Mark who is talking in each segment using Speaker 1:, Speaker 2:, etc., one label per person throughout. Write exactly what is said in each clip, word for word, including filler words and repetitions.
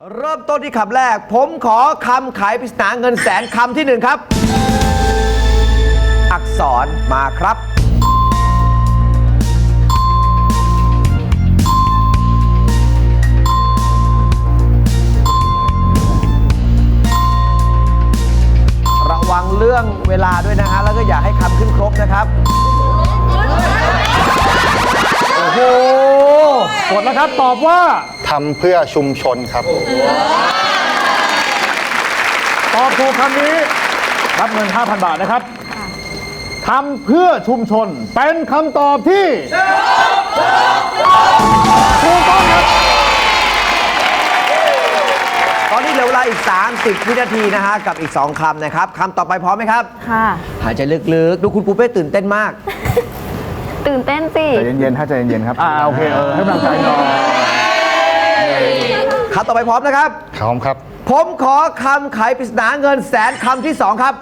Speaker 1: เริ่มต้นที่คำแรกผมขอคำขายปริศนาเงินแสนคำที่หนึ่งครับอักษรมาครับระวังเรื่องเวลาด้วยนะฮะแล้วก็อย่าให้คำขึ้นครบนะครับโอ้โห
Speaker 2: กดแล้วครับตอบว่า
Speaker 3: ทำเพื่อชุมชนครับ
Speaker 2: ตอบถูกคำนี้รับเงิน ห้าพัน บาทนะครับทำเพื่อชุมชนเป็นคำตอบที่ถูกต้องครับ
Speaker 1: ตอนนี้เหลือเวลาอีกสามสิบวินาทีนะฮะกับอีกสองคำนะครับคำต่อไปพร้อมไหมครับ
Speaker 4: ค่ะ
Speaker 1: หายใจลึกๆดูคุณปูเป้ตื่นเต้นมาก
Speaker 4: ตื่นเต้นสิ
Speaker 2: ใจเย็นๆถ้าใจเย็นๆครับอ่าโอเคเออให้กำลังใจหน่อย
Speaker 1: คำต่อไปพร้อมนะครับ
Speaker 3: พร้อมครับ
Speaker 1: ผมขอคำขายปริศนาเงินแสนคำที่สองครับ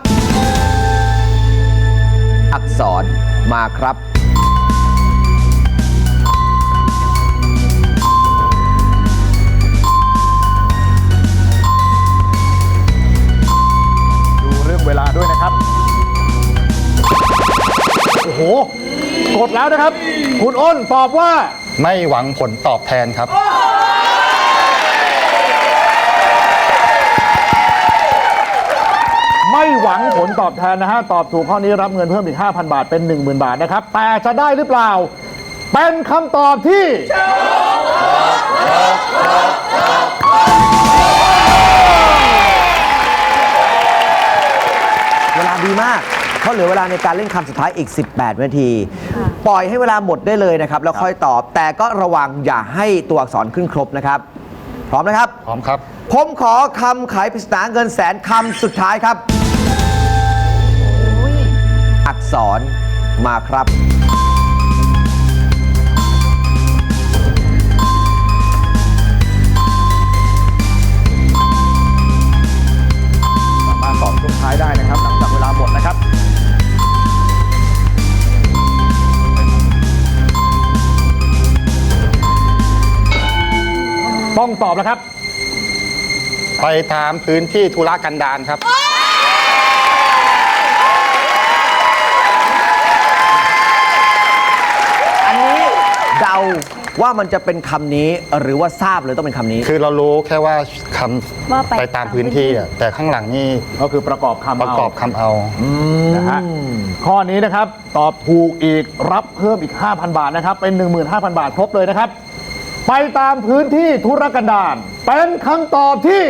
Speaker 1: อักษรมาครับ
Speaker 2: ดูเรื่องเวลาด้วยนะครับโอ้โหกดแล้วนะครับคุณอ้นตอบว่า
Speaker 3: ไม่หวังผลตอบแทนครับ
Speaker 2: ไม่หวังผลตอบแทนนะฮะตอบถูกข้อนี้รับเงินเพิ่มอีก ห้าพัน บาทเป็น หนึ่งหมื่น บาทนะครับแต่จะได้หรือเปล่าเป็นคำตอบที่
Speaker 1: เวลาดีมากเขาเหลือเวลาในการเล่นคำสุดท้ายอีกสิบแปดนาทีปล่อยให้เวลาหมดได้เลยนะครับแล้วค่อยตอบแต่ก็ระวังอย่าให้ตัวอักษรขึ้นครบนะครับพร้อมนะครับ
Speaker 3: พร้อมครับ
Speaker 1: ผมขอคำขายปริศนาเงินแสนคำสุดท้ายครับอักษรมาครับ
Speaker 2: สามารถตอบช่วงท้ายได้นะครับหลังจากเวลาหมดนะครับต้องตอบแล้วครับ
Speaker 3: ไปตามพื้นที่ธุรกันดารครับ
Speaker 1: อันนี้เดาว่ามันจะเป็นคำนี้หรือว่าทราบเลยต้องเป็นคำนี้
Speaker 3: คือเรารู้แค่ว่าคำไปตามพื้นที่อ่ะแต่ข้างหลังนี่
Speaker 2: ก็คือประกอบคำ
Speaker 3: ประกอบคำเอา
Speaker 2: นะฮะข้อนี้นะครับตอบถูกอีกรับเพิ่มอีก ห้าพัน บาทนะครับเป็น หนึ่งหมื่นห้าพัน บาทครบเลยนะครับไปตามพื้นที่ธุรกันดารเป็นคำตอบที่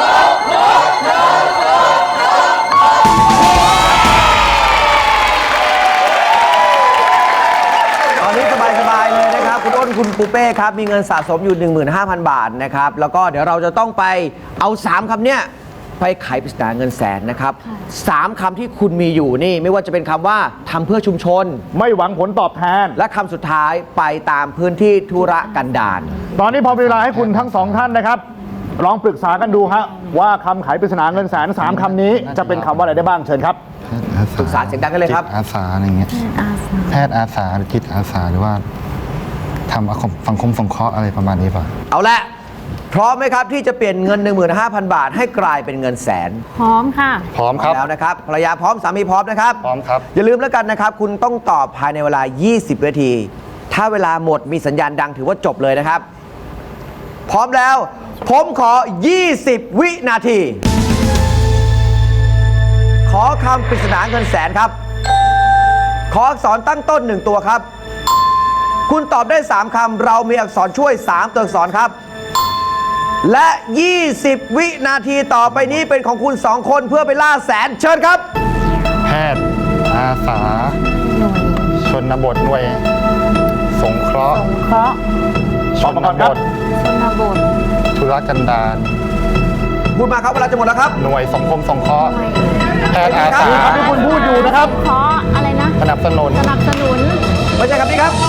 Speaker 1: ตอนนี้สบายๆเลยนะครับคุณอ้นคุณปูเป้ครับมีเงินสะสมอยู่ หนึ่งหมื่นห้าพัน บาทนะครับแล้วก็เดี๋ยวเราจะต้องไปเอาสามคำเนี้ยไปไขปริศนาเงินแสนนะครับสามคำที่คุณมีอยู่นี่ไม่ว่าจะเป็นคำว่าทำเพื่อชุมชน
Speaker 2: ไม่หวังผลตอบแทน
Speaker 1: และคำสุดท้ายไปตามพื้นที่ธุรกันดาร
Speaker 2: ตอนนี้พอเวลาให้คุณทั้งสองท่านนะครับลองปรึกษากันดูฮะว่าคำไขปริศนาเงินแสนสามคำนี้จะเป็นคำว่าอะไรได้บ้างเชิญครับ
Speaker 1: ปรึกษาเสียงดังกันเลยครับ
Speaker 3: อาสาอะไรเงี้ยแพทย์อาสาหรือจิตอาสาหรือว่าทำสังคมสงเคราะห์อะไรประมาณนี้ป่ะ
Speaker 1: เอาละพร้อมไหมครับที่จะเปลี่ยนเงิน หนึ่งหมื่นห้าพัน บาทให้กลายเป็นเงินแสน
Speaker 4: พร้อมค่ะ
Speaker 3: พร้อมครับ
Speaker 1: แล้วนะครับภรรยาพร้อมสามีพร้อมนะครับ
Speaker 3: พร้อมครับ
Speaker 1: อย่าลืมแล้วกันนะครับคุณต้องตอบภายในเวลายี่สิบนาทีถ้าเวลาหมดมีสัญญาณดังถือว่าจบเลยนะครับพร้อมแล้วผมขอยี่สิบวินาทีขอคำปริศนาเงินแสนครับขออักษรตั้งต้นหนึ่งตัวครับคุณตอบได้สามคำเรามีอักษรช่วยสามตัวอักษรครับและยี่สิบวินาทีต่อไปนี้เป็นของคุณสองคนเพื่อไปล่าแสนเชิญครับ
Speaker 3: แพทย์อาสาชนบทหน่วยสงเคราะห์
Speaker 4: สงเคราะห์
Speaker 3: ชนบท
Speaker 4: ชนบท
Speaker 3: ธุรกันดาร
Speaker 1: พูดมาครับเวลาจะหมดแล้วครับ
Speaker 3: หน่วยสังคมสงเคราะห์แพทย์อาสา
Speaker 2: ที่คุณพูดอยู่นะครับ
Speaker 4: เคราะห์อะไรนะ
Speaker 3: สนับสนุน
Speaker 4: สนับสนุน
Speaker 1: ไม่ใช่ครับนี่ครับ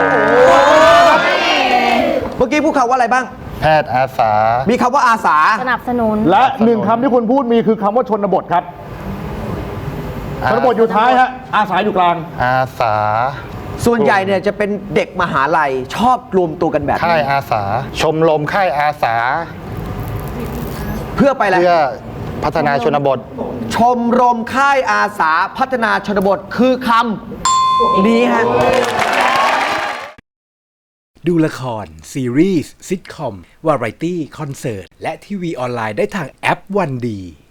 Speaker 1: เมื่อกี้พูดคำว่าอะไรบ้าง
Speaker 3: แพทย์อาสา
Speaker 1: มีคำว่าอาสา
Speaker 4: สนับสนุน
Speaker 2: และหนึ่งคำที่คุณพูดมีคือคำว่าชนบทครับชนบทอยู่ท้ายฮะอาสาอยู่กลาง
Speaker 3: อาสา
Speaker 1: ส่วนใหญ่เนี่ยจะเป็นเด็กมหาลัยชอบรวมตัวกันแบบนี้
Speaker 3: ค่ายอาสาชมรมค่ายอาสา
Speaker 1: เพื่อไปอะไร
Speaker 3: เพื่อพัฒนาชนบท
Speaker 1: ชมรมค่ายอาสาพัฒนาชนบทคือคำนี้ฮะ
Speaker 5: ดูละคร ซีรีส์ซิทคอม วาไรตี้ คอนเสิร์ต และทีวีออนไลน์ได้ทางแอปวันดี